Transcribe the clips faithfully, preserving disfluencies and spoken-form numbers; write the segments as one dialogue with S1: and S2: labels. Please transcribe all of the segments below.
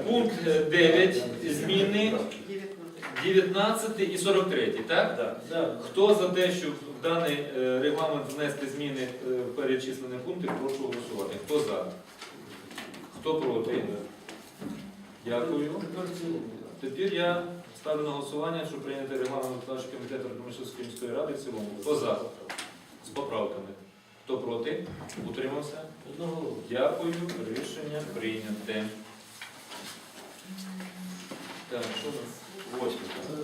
S1: пункт дев'ять, зміни дев'ятнадцятий і сорок третій, так?
S2: Да.
S3: Да.
S1: Хто за те, щоб в даний е, регламент внести зміни е, в перечислені пункти, прошу голосувати. Хто за? Хто проти? Дякую. Тепер я ставлю на голосування, щоб прийняти регламент виконавчого комітету Радомишльської міської ради в цілому. Хто за? З поправками. Хто проти? Утримався?
S3: Одноголосно.
S1: Дякую. Рішення прийняте. Так, що у нас? Восьме.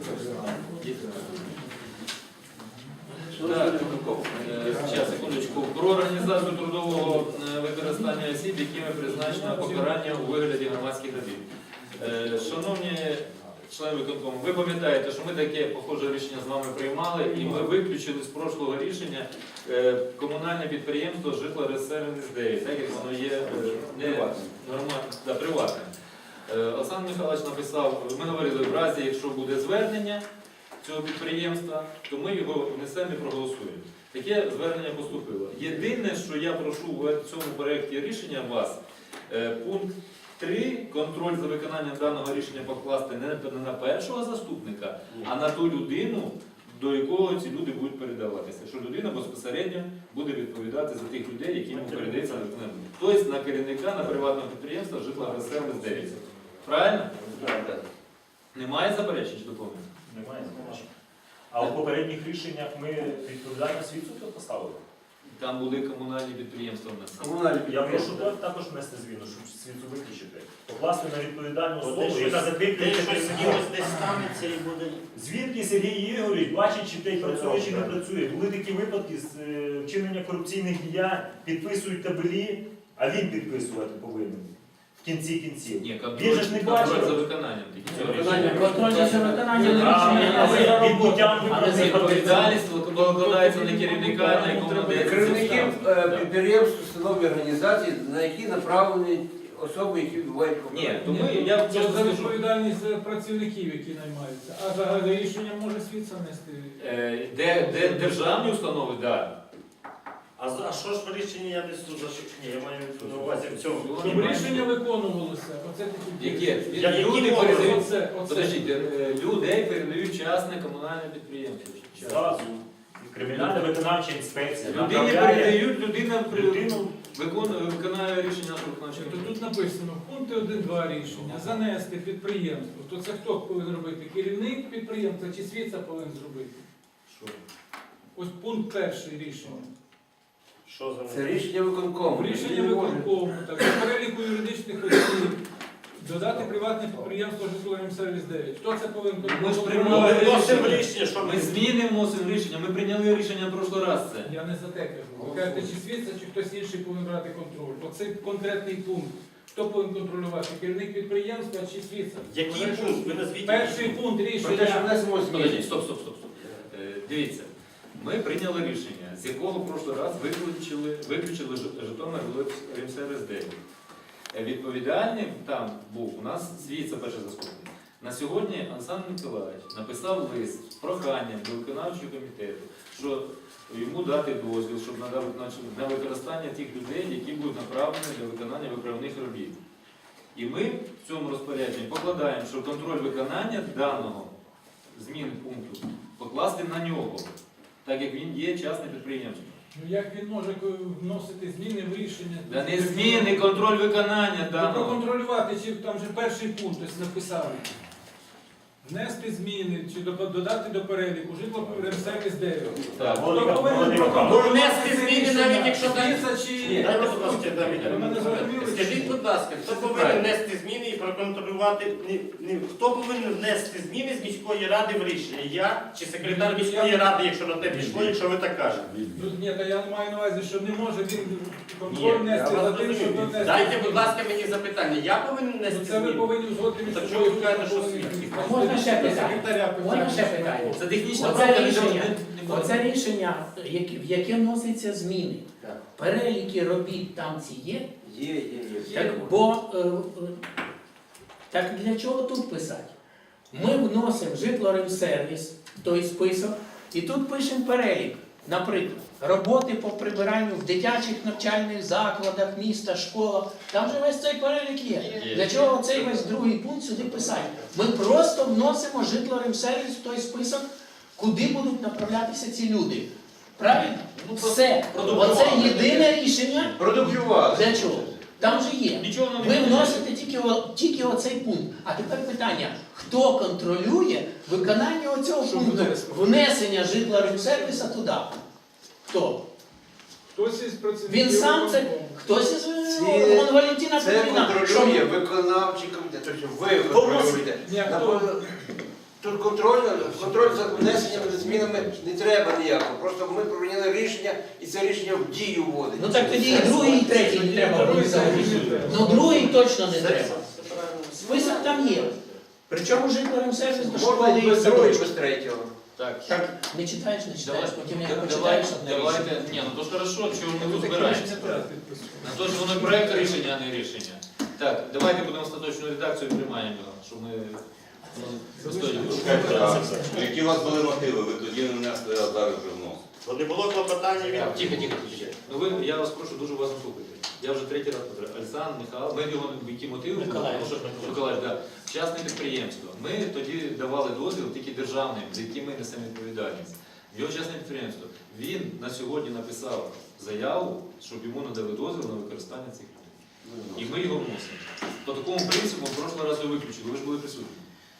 S1: Так, е, зараз, секундочку. Про організацію трудового е, використання осіб, якими призначено покарання у вигляді громадських робіт. Е, Шановні члени виконкому, ви пам'ятаєте, що ми таке похоже рішення з вами приймали, і ми виключили з прошлого рішення е, комунальне підприємство «Житлорезсервіс дев'ять», так як воно є е, не нормально, да, приватним. Е, Олександр Михайлович написав, ми говорили, в разі, якщо буде звернення цього підприємства, то ми його внесемо і проголосуємо. Таке звернення поступило. Єдине, що я прошу в цьому проєкті рішення вас, е, пункт три, контроль за виконанням даного рішення покласти не на першого заступника, а на ту людину, до якого ці люди будуть передаватися. Що людина безпосередньо буде відповідати за тих людей, яким йому передається на виконання. Тобто на керівника, на приватного підприємства «Житлорезсервіс дев'ять». Правильно?
S2: Так.
S1: Немає заперечень чи доповнень?
S4: Немає. А у попередніх рішеннях ми відповідальність відсутку поставили.
S1: Там були комунальні підприємства в нас.
S3: Комунальні
S4: Я прошу
S3: підприємства.
S4: також внести зміну, щоб світу виключити. Покласти на відповідальну
S2: От
S4: особу,
S2: десь
S4: яка
S2: щось-
S4: закріплює
S2: десь щось
S4: керівника.
S2: десь десь станеться і буде.
S4: Звідки Сергій Ігорович бачить, чи той працює, чи не працює. Були такі випадки з е, вчинення корупційних діянь, підписують табелі, а він підписувати повинен. В кінці кінців.
S1: Ні,
S4: Він же ж не
S1: контроль, контроль
S4: бачив.
S1: за виконанням тільки цього
S3: Виконання.
S1: рішення.
S5: Контроль за виконанням
S4: А,
S5: рішення.
S4: а відбуттям
S5: А не
S4: виправних
S1: Відповідальність викладається на керівника, на якому надається
S3: Керівників
S1: субстанція.
S3: е,
S1: Да.
S3: підприємств, установ і організацій, на які направлені особи, які відбувають
S1: Ні,
S3: покарання.
S1: то ми, я
S6: Це
S1: чесно
S6: за
S1: скажу,
S6: відповідальність за працівників, які наймаються. А за рішення може світ сам нести.
S1: е, де, де державні установи, так.
S2: А за- а що ж в рішенні я десь тут зашив? Ні, я маю на увазі в цьому.
S6: Щоб рішення виконувалося. Оце такі
S1: Які?
S2: Я- які
S1: Люди
S2: мови?
S1: передають,
S6: Оце, оце.
S1: подождіть, е, людей передають частне комунальне підприємство. Частне.
S4: Зразу. Кримінальна виконавча інспекція.
S1: Людині
S4: направляє
S1: передають, людина при-
S4: людину.
S1: виконує, виконає рішення нашого виконавчого
S6: То
S1: комітету.
S6: тут написано в пункті один-два рішення занести підприємство. То це хто повинен робити? Керівник підприємства чи світ це повинен зробити?
S1: Що?
S6: Ось пункт перший рішення.
S2: Що за
S3: Це рішення виконкому.
S6: Рішення
S3: Він не може.
S6: виконкому, так, до переліку юридичних осіб, додати приватне підприємство «Житлорезсервіс дев'ять». Хто це повинен
S1: Ми ж
S2: Ми
S1: приймали
S2: вносимо
S1: рішення.
S2: рішення, що
S1: Ми
S2: ми
S1: зміни вносимо в рішення, ми прийняли рішення в прошлий раз це.
S6: Я не за те кажу. Ви кажете, чи світ це, чи хтось інший повинен брати контроль. Оцей конкретний пункт. Хто повинен контролювати? Керівник підприємства чи світ?
S2: Який пункт? Ви назвіть.
S6: Перший пункт
S3: Про те, що
S6: рішення.
S3: внесемо
S1: Подождіть,
S3: зміни.
S1: стоп, стоп, стоп, стоп. Е, Дивіться, ми прийняли рішення, з якого в прошлий раз виключили, виключили Жи- Житомир-Ремсервіс дев'ять. Е, Відповідальним там був у нас свій, це перший заступник. На сьогодні Олександр Миколаївич написав лист з проханням до виконавчого комітету, що йому дати дозвіл, щоб надав виконавчий- на використання тих людей, які будуть направлені для виконання виправних робіт. І ми в цьому розпорядженні покладаємо, що контроль виконання даного зміни пункту покласти на нього, так як він є частне підприємство.
S6: Ну як він може ко- вносити зміни в рішення?
S1: Да не зміни, контроль виконання
S6: Ну,
S1: даного.
S6: проконтролювати, чи там же перший пункт ось написали. Внести зміни, чи до- додати до переліку «Житлорезсервіс дев'ять».
S1: Так.
S6: Хто
S4: Володимир
S6: повинен
S4: Володимирович,
S6: проконтролювати
S2: внести
S6: це
S2: зміни,
S6: рішення?
S2: навіть якщо там-
S6: Світ чи...
S2: Ні, дайте, будь ласка, Давид.
S6: Ви мене зрозуміли?
S2: Скажіть, будь ласка, хто повинен внести зміни і проконтролювати, не, не, хто повинен внести зміни з міської ради в рішення? Я чи секретар міської ради, якщо на те пішло, якщо ви так кажете?
S6: Ну, ні, та я маю на увазі, що не може він
S2: Ні,
S6: контроль внести
S2: я
S6: за
S2: вас
S6: тим, щоб
S2: розумію.
S6: внести.
S2: Дайте, будь ласка, мені запитання. Я повинен
S6: Ну,
S2: внести
S6: це ви
S2: зміни?
S6: повинні узгодити між
S2: Так
S6: собою.
S2: чого ви кажете, що
S6: повинні-
S2: свідки?
S5: А можна ще питання?
S6: Секретаря
S5: Можна ще
S6: питання.
S5: питання?
S1: Це технічна
S5: Оце
S1: правка,
S5: рішення,
S1: не- не було.
S5: оце рішення, які- в яке вносяться зміни.
S3: Так.
S5: Переліки робіт там ці є.
S3: Є, є, є.
S5: Так, бо е, е, так для чого тут писати? Ми вносимо житлорезсервіс в той список, і тут пишемо перелік. Наприклад, роботи по прибиранню в дитячих навчальних закладах, міста, школах. Там же весь цей перелік є.
S1: Є.
S5: Для чого цей весь другий пункт сюди писати? Ми просто вносимо житлоремсервіс в той список, куди будуть направлятися ці люди. Правильно?
S1: Ну,
S5: Все.
S1: продублювали.
S5: Оце єдине рішення.
S3: Продублювали.
S5: Для чого? Там же є.
S1: Нічого воно не
S5: Ви
S1: міняє.
S5: вносите тільки, о- тільки оцей пункт. А тепер питання, хто контролює виконання оцього
S6: Що
S5: пункту?
S6: внесли?
S5: Внесення житлоремсервіса туди. Хто?
S6: Хтось із працівників
S5: Він сам це,
S6: виконкому.
S5: хтось із
S3: Ці-
S5: Вон Валентина
S3: Це
S5: Петрівна.
S3: контролює
S5: що-
S3: виконавчий комітет. Тобто ви контролюєте.
S6: Ні, хто?
S3: Напевно, Тут контроль, контроль за внесенням змінами не треба ніякого. Просто ми прийняли рішення і це рішення в дію вводить.
S5: Ну так тоді і другий, і третій не треба буде залишити. Ну другий точно не треба. Список там є. Причому житлоремсервіс до школи
S3: Можна і
S5: і
S3: без другого, і
S5: садочку.
S3: без третього.
S1: Так.
S5: Так, не читаєш, не читаєш,
S1: Давай-
S5: потім як
S1: давай-
S5: прочитаєш одне
S1: Давайте,
S5: рішення.
S1: ні, ну то ж хорошо, чого ми
S6: Ви
S1: тут
S6: таке
S1: збираємося.
S6: рішення треба підписувати.
S1: На то ж воно проєкт рішення, а не рішення. Так, давайте будемо остаточну редакцію приймаємо його, щоб ми ну, достойні були.
S7: Чекайте, а які у вас були мотиви? Ви тоді не внесли, а зараз вже вносите.
S2: Бо не було клопотання від...
S1: Так, Тихо, тихо, тихо. Ну ви, я вас прошу дуже уважно слухати. Я вже третій раз повторяю. Олександр, Михайло, ми його які мотиви були?
S5: Миколаїв.
S1: Тому що Миколаїв, да. Частне підприємство. Ми тоді давали дозвіл тільки державним, за яким ми несемо відповідальність. Його частне підприємство. Він на сьогодні написав заяву, щоб йому надали дозвіл на використання цих людей. І ми його вносимо. По такому принципу в прошлий раз його виключили, ви ж були присутні.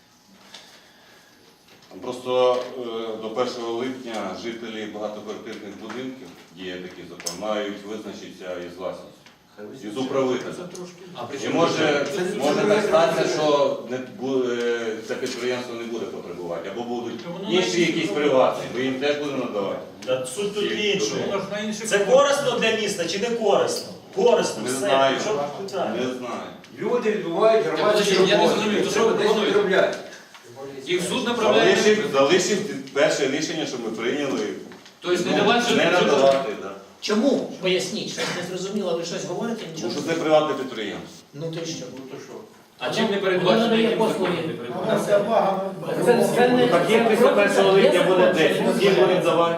S7: Просто е, до першого липня жителі багатоквартирних будинків, є такий закон, мають визначитися із власністю, із управителем.
S1: А при
S7: І
S1: чому
S7: може,
S3: Це-
S7: може
S3: це-
S7: так статися, що не бу- е, це підприємство не буде потребувати, або будуть інші якісь приватні, ми їм теж будемо надавати.
S4: Та суть тут в іншому.
S6: Воно ж на інших
S4: Це корисно для міста чи не корисно? Корисно,
S7: Не
S4: все.
S7: знаю.
S4: Що тут питання?
S7: Не знаю.
S3: Люди відбувають громадські
S1: Я не
S3: роботи.
S1: зрозумів, то що
S3: Треба
S1: ви
S3: десь
S1: пропонуєте?
S3: відробляти.
S1: Їх суд направляє?
S7: Залишив, залишив перше рішення, що ми прийняли.
S1: Тобто не
S7: Ну,
S1: давати
S7: не
S1: житло.
S7: надавати, да.
S5: Чому? Поясніть, щось не зрозуміло, ви щось говорите,
S7: Тому
S5: нічого.
S7: що це приватне підприємство.
S5: Ну то й що?
S1: А чим не
S5: Воно
S1: передбачено,
S5: надає
S1: яким
S5: послуги.
S1: законом не передбачено?
S5: Це, це не...
S2: Так як після першого липня буде десять, всі будуть давати.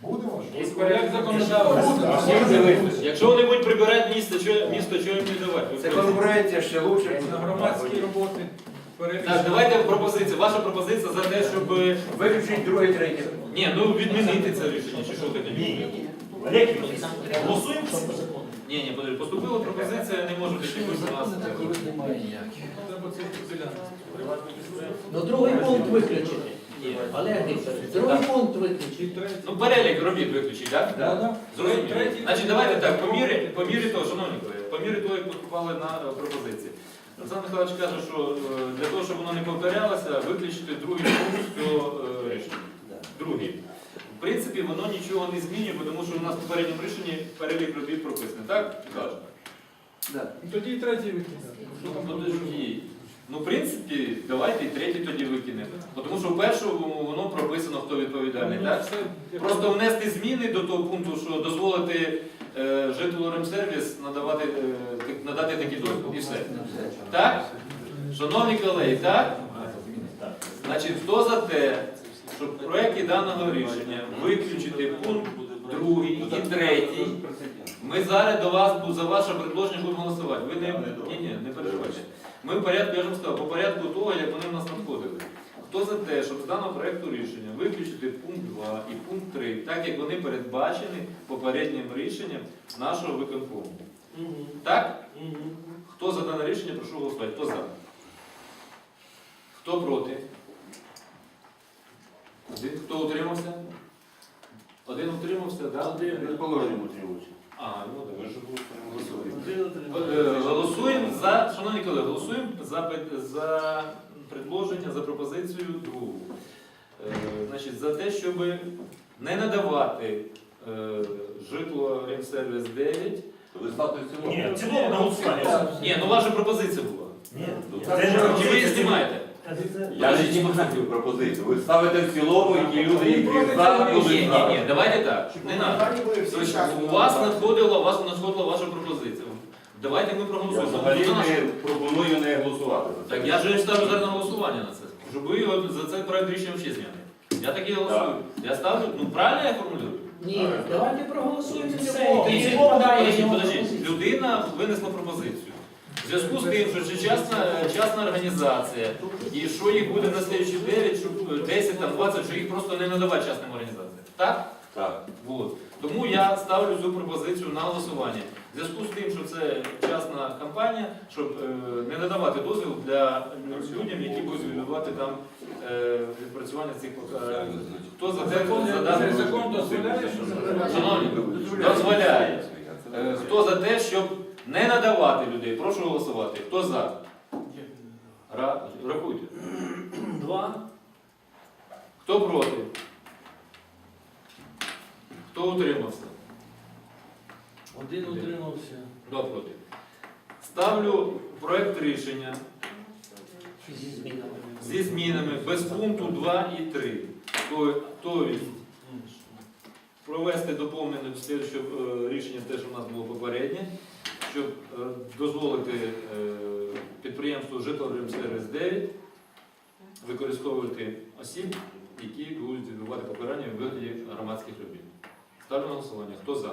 S6: Як законодавство.
S1: Якщо вони будуть прибирати місто, що, місто, чого їм не давати?
S3: Це конкуренція ще лучше.
S6: На громадські роботи.
S1: Так, давайте пропозиція. Ваша пропозиція за те, щоб...
S3: Виключіть друге, третє.
S1: Ні, ну відмінити це рішення, чи що таке?
S4: Ні. Олег Ігорович, голосуємо?
S1: Ні, ні, подожди, поступила пропозиція, не може бути якось у нас.
S6: Треба це ділянку.
S5: Ну другий пункт виключити. Олег Вікторович, другий пункт
S6: І
S5: виключити.
S6: третій.
S1: Ну, перелік робіт виключить, так?
S6: Да, да.
S1: Зрозуміло.
S6: Третій.
S1: Значить, давайте так, по мірі, по мірі того, шановні колеги, по мірі того, як поступали на е, пропозиції. Олександр Михайлович каже, що е, для того, щоб воно не повторялося, виключити другий пункт цього е, рішення. Другий. В принципі, воно нічого не змінює, тому що у нас в попередньому рішенні перелік робіт прописаний, так? Каже.
S3: Да.
S6: Ну, тоді і третій викидати.
S1: Ну, подожди. Ну, в принципі, давайте і третій тоді викинемо. Тому що в першому воно прописано, хто відповідальний, так? Просто внести зміни до того пункту, що дозволити е, житлоремсервіс надавати, е, так- надати такі дозвіл. І все. Так? Шановні колеги, так? Значить, хто за те, щоб в проєкті даного рішення виключити пункт другий і третій, ми зараз до вас бу- за ваше предложення будемо голосувати. Ви не, ні, ні, не переживайте. Ми в порядку, я ж вам сказав, по порядку того, як вони в нас надходили. Хто за те, щоб з даного проєкту рішення виключити пункт два і пункт три, так як вони передбачені попереднім рішенням нашого виконкому. Так? Хто за дане рішення, прошу голосувати. Хто за? Хто проти? Один. Хто утримався? Один утримався, так?
S3: Від положення утримуються.
S1: А, ну так, ви ж голосуємо. Е, Голосуємо за, шановні колеги, голосуємо за, пед- за предложення, за пропозицію другу. Е, Значить, за те, щоб не надавати е, житло Ремсервіс дев'ять.
S7: Ви ставте в цілому.
S4: Ні, в цілому на голосування.
S1: Ні, ну ваша пропозиція була.
S4: Ні.
S7: Це
S1: Чи ви її знімаєте?
S7: Я не знімаю пропозицію. Ви ставите в цілому, і ті люди, які за,
S1: Ні,
S7: будуть
S1: ні,
S7: за.
S1: ні, давайте так. Не треба. Тобто, у вас надходила, у вас надходила ваша пропозиція. Давайте ми
S7: Я
S1: проголосуємо.
S7: взагалі
S1: За нашу.
S7: не пропоную не голосувати. за це.
S1: Так я ж ставлю зараз на голосування на це. Щоб ви його за цей проект рішення ще зняли. Я так і голосую. Я ставлю, ну правильно я формулюю?
S5: Ні, давайте проголосуємо
S2: Це
S5: все.
S2: було.
S5: Тоді
S1: Ні,
S5: відпадає
S1: подождіть,
S5: його
S1: подождіть.
S5: пропозиція.
S1: Людина винесла пропозицію. В зв'язку з тим, що це частна, частна організація, і що їх буде на слідчі дев'ять, щоб десять, там, двадцять, що їх просто не надавати частним організаціям. Так?
S7: Так.
S1: Вот. Тому я ставлю цю пропозицію на голосування. В зв'язку з тим, що це частна компанія, щоб е, не надавати дозвіл для людям, які будуть відбувати там е, відпрацювання цих покарань. Хто за те,
S6: Закон,
S1: за даний
S6: закон дозволяє, що закривати?
S1: Шановні, дозволяє. Е, Хто за те, щоб не надавати людей? Прошу голосувати. Хто за? Ра- Рахуйте. Два. Хто проти? Хто утримався?
S8: Один утримався.
S1: Два проти. Ставлю проект рішення
S5: Зі змінами.
S1: зі змінами без пункту два і три. Тобто провести доповнення до слідчого е, рішення, те, що в нас було попереднє, щоб е, дозволити е, підприємству «Житлоремсервіс дев'ять» використовувати осіб, які будуть відбувати покарання у вигляді громадських робіт. Ставлю на голосування. Хто за?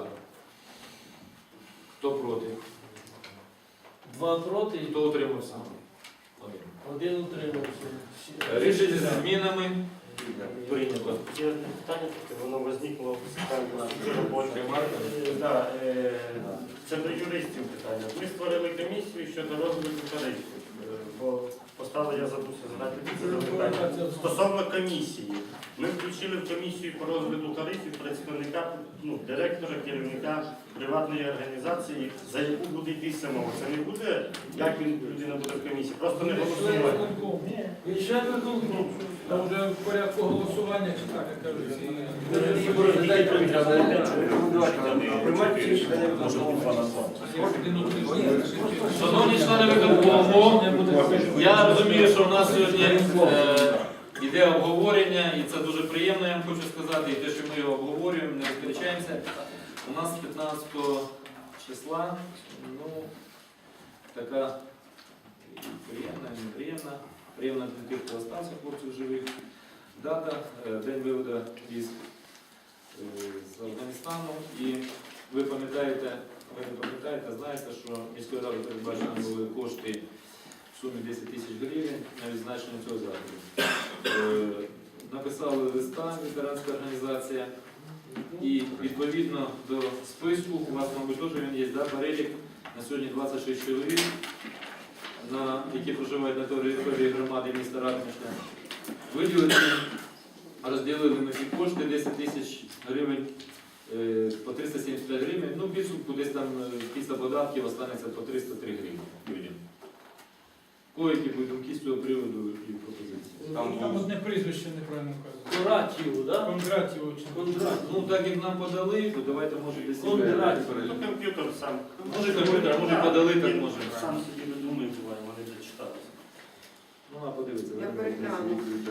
S1: Хто проти?
S8: Два проти,
S1: Хто утримався? Один.
S8: один утримався.
S1: Рішення зі змінами прийнято.
S2: Є одне питання, таке, воно возникло в питанні роботи.
S1: Ремарка?
S2: Е, да, е, Це до юристів питання. Ми створили комісію щодо розвитку тарифів. Е, Бо поставив, я забувся задати це запитання. Стосовно комісії. Ми включили в комісію по розгляду тарифів представника, ну, директора, керівника приватної організації, за яку буде йтися мова. Це не буде, як він людина буде в комісії, просто не голосує.
S6: Він ще не виконком. Там вже в порядку голосування, чи так, як кажуть.
S1: Шановні члени виконкому, я розумію, що в нас сьогодні е, йде обговорення, і це дуже приємно, я вам хочу сказати, і те, що ми його обговорюємо, не сперечаємося. У нас п'ятнадцятого числа, ну, така і приємна, і неприємна, приємна для тих, хто остався, хлопців живих, дата, е, день виводу військ е, з Афганістану. І ви пам'ятаєте, ви не пам'ятаєте, знаєте, що міською радою передбачені були кошти в сумі десять тисяч гривень на відзначення цього заходу. Е, Написали листа ветеранська організація, і відповідно до списку, у вас, мабуть, теж він є, да, перелік на сьогодні двадцять шість чоловік, на, які проживають на території громади міста Радомишля. Виділили, розділили ми ці кошти, десять тисяч гривень, е, по триста сімдесят п'ять гривень, ну, підсумку десь там е, після податків останеться по триста три гривні людям. Кої-які будуть думки з цього приводу і пропозиції?
S6: Там одне прізвище неправильно вказано.
S8: Коратів, да?
S6: Кондратів очень.
S8: Кондратів.
S1: Ну, так як нам подали, то давайте, може, десь
S8: Кондратів.
S2: Ну, комп'ютер сам.
S1: Може, комп'ютер, може, подали, так
S2: Він
S1: може.
S2: Сам собі видумує, буває, вони зачиталися.
S1: Ну, а подивіться.
S9: Я перегляну.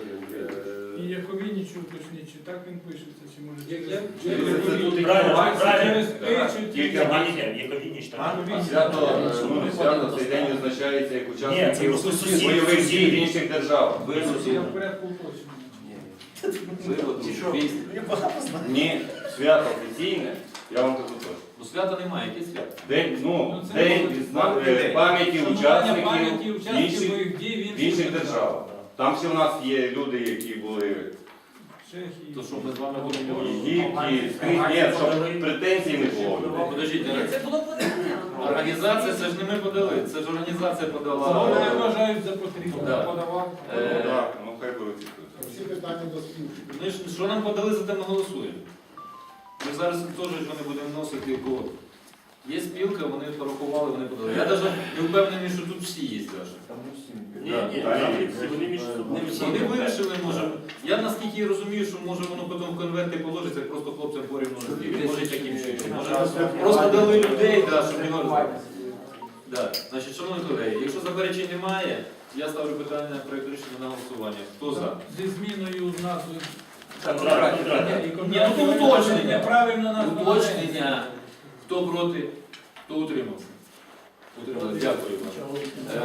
S6: І Яковінічу уточніть, чи так він пишеться, чи може
S8: Як-
S6: через...
S8: як-
S6: через
S4: Правильно,
S6: Яковініч.
S4: правильно.
S6: Через «и» чи
S4: Є
S6: через-
S4: Яковініч, Яковініч, так?
S6: Яковініч.
S7: Свято, е, ну, не свято, цей день визначається як
S4: Ні, це
S7: учасників
S4: просто сусід,
S7: бойових
S4: сусід.
S7: дій в інших державах.
S6: Я в порядку уточнення.
S1: Виводу,
S3: Чи що?
S1: військ.
S7: Ні, свято офіційне, я вам кажу точно.
S1: Ну, свята немає, яке свято?
S7: День, ну,
S6: Ну, це
S7: день
S6: буде
S7: відзна- е,
S3: день.
S7: пам'яті
S6: Шанування пам'яті
S7: учасників
S6: учасників
S7: інших,
S6: бойових дій в
S7: в інших державах. Там всі у нас є люди, які були
S6: Чехії.
S1: То що ми з вами будемо
S7: в
S1: говорити?
S7: Єгипті, скрізь, ні, щоб претензій не було. в людей.
S1: Подождіть,
S9: Це було подання.
S1: організація, це ж не ми подали, це ж організація
S6: Вони
S1: подала.
S6: вважають за потрібне.
S1: Да.
S6: Подавав.
S7: Ну,
S1: Е,
S7: так, ну хай беруть.
S10: Всі питання до спілки.
S1: Ми ж, що нам подали, за те ми голосуємо. Ми зараз теж вони будемо вносити код. Є спілка, вони порахували, вони подали. Я навіть не впевнений, що тут всі є навіть.
S2: Ні,
S1: Да.
S2: ні, там всі, вони між собою.
S1: Вони вирішили, може. Я наскільки розумію, що може воно потім в конверти положиться, як просто хлопцям порівну розділити. Може таким чином. Може просто дали людей, да, щоб не говорити. Да. Значить, шановні колеги, якщо заперечень немає, я ставлю питання на проєкт рішення на голосування. Хто за?
S6: Зі зміною назви.
S2: Кондрат, Кондрат.
S6: І
S1: Ні, ну, то уточнення.
S6: Правильно названо.
S1: Уточнення. Хто проти, хто утримався? Утримався. Дякую вам.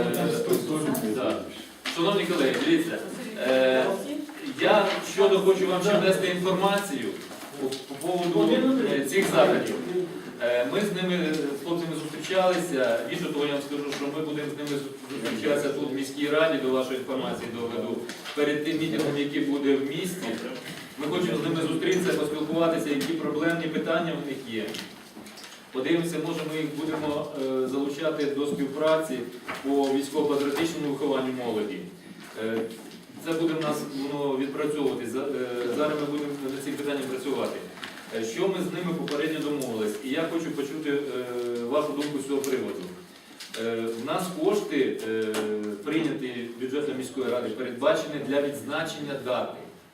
S1: Е, да. Шановні колеги, дивіться. Е, я щодо хочу вам ще внести інформацію. по, по поводу е, цих заходів. Е, Ми з ними, з хлопцями зустрічалися. Більше того, я вам скажу, що ми будемо з ними зустрічатися тут в міській раді, до вашої інформації доведу, перед тим мітингом, який буде в місті. Ми хочемо з ними зустрітися, поспілкуватися, які проблемні питання в них є. Подивимося, може ми їх будемо е, залучати до співпраці по військово-патріотичному вихованню молоді. Е, Це буде в нас воно відпрацьовуватись. За- е, Зараз ми будемо над цим питанням працювати. Е, Що ми з ними попередньо домовились? І я хочу почути е, вашу думку з цього приводу. Е, У нас кошти, е, прийняті бюджетом міської ради, передбачені для відзначення дати.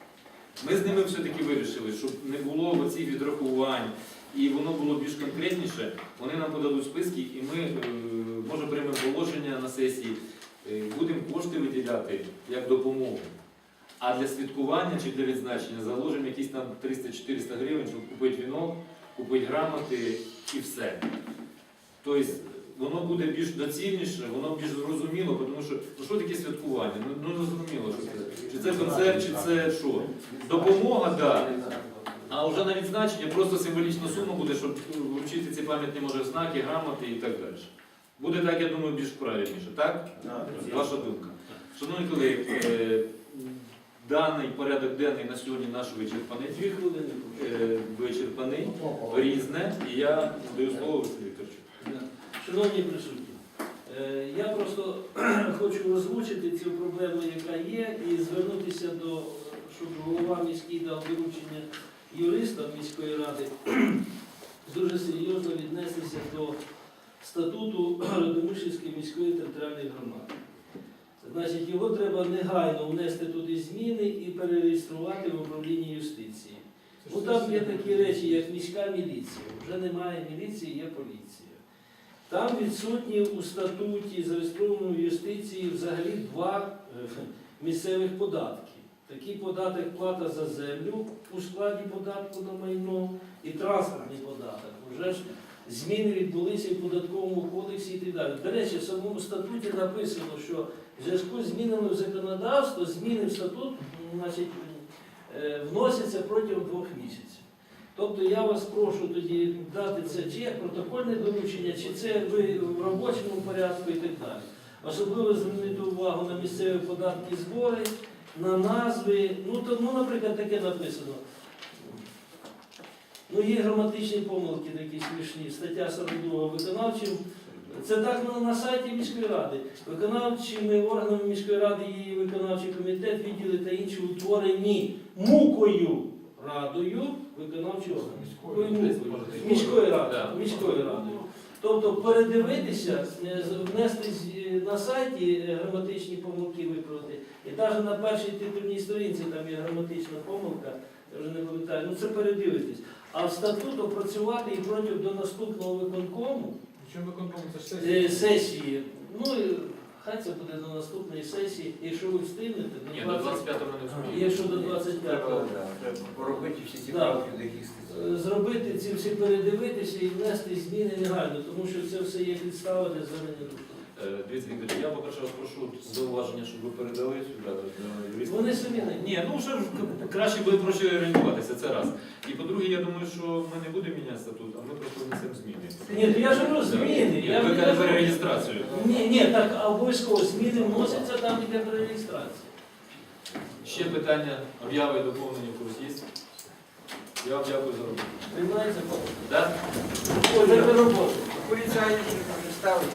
S1: Ми з ними все-таки вирішили, щоб не було оцих відрахувань, і воно було більш конкретніше. Вони нам подадуть списки, і ми, е, може, приймемо положення на сесії, е, будемо кошти виділяти як допомогу. А для святкування чи для відзначення заложимо якісь там триста-чотириста гривень, щоб купити вінок, купити грамоти і все. Тобто воно буде більш доцільніше, воно більш зрозуміло, тому що ну, що таке святкування? Ну, ну не зрозуміло, що це. Чи це концерт, чи це що? Допомога, так. Да. А вже на відзначення просто символічна сума буде, щоб вручити ці пам'ятні може знаки, грамоти і так далі. Буде так, я думаю, більш правильніше, так? Ваша думка. Шановні колеги, е, даний порядок денний на сьогодні наш вичерпаний.
S8: Дві хвилини.
S1: Е, вичерпаний, різне, і я даю слово Василю Вікторовичу.
S8: Шановні присутні, е, я просто хочу озвучити цю проблему, яка є, і звернутися до, щоб голова міський дав доручення юристам міської ради дуже серйозно віднестися до статуту Радомишльської міської територіальної громади. Значить, його треба негайно внести туди зміни і перереєструвати в управлінні юстиції. Ну там є такі речі, як міська міліція. Вже немає міліції, є поліція. Там відсутні у статуті, зареєстрованому в юстиції, взагалі два е, місцевих податки. Такий податок плата за землю у складі податку на майно і транспортний податок. Уже ж зміни відбулися і в податковому кодексі і так далі. До речі, в самому статуті написано, що в зв'язку з змінами в законодавство, зміни в статут, значить, е, вносяться протягом двох місяців. Тобто я вас прошу тоді дати це чи як протокольне доручення, чи це ви в робочому порядку і так далі. Особливо звернути увагу на місцеві податки і збори, на назви. Ну, то, ну, наприклад, таке написано. Ну, є граматичні помилки такі смішні. Стаття сорок два виконавчим. Це так на, на сайті міської ради. Виконавчими органами міської ради є виконавчий комітет, відділи та інші утворені мукою радою виконавчого органу. Міської ради. Міської ради. Тобто передивитися, внести на сайті граматичні помилки виправити. І навіть на першій титульній сторінці там є граматична помилка, я вже не пам'ятаю, ну це передивитись. А в статут опрацювати і протягом до наступного виконкому
S6: Чому виконкому? Це ж сесія.
S8: е, сесії, ну і хай це буде до наступної сесії, якщо ви встигнете,
S1: Ні,
S8: до
S1: до
S8: двадцять
S1: двадцять п'ятого ми не встигнемо.
S8: якщо до двадцять п'ятого.
S3: Треба, да, треба поробити всі ці
S8: Да.
S3: правки, до яких стосується.
S8: Зробити ці всі передивитися і внести зміни негайно, тому що це все є підстава для звернення до суду.
S1: Е, Дивіться, Вікторович, я, по-перше, вас прошу зауваження, щоб ви передали сюди до юриста.
S8: Вони самі не.
S1: Ні, ну вже ж к- краще буде проще орієнтуватися, це раз. І по-друге, я думаю, що ми не будемо міняти статут, а ми просто внесемо зміни.
S8: Ні, то я ж говорю, зміни.
S1: Ні,
S8: Я
S1: ви
S8: не
S1: кажете
S8: кажу-
S1: перереєстрацію.
S8: Ні, ні, так обов'язково зміни вносяться там, де при реєстрації.
S1: Ще питання, обяви, доповнення в курс є? Я вам дякую за роботу.
S8: Приймається?
S1: Так?
S8: Ой, за роботу.
S3: Поліцаї не ставить.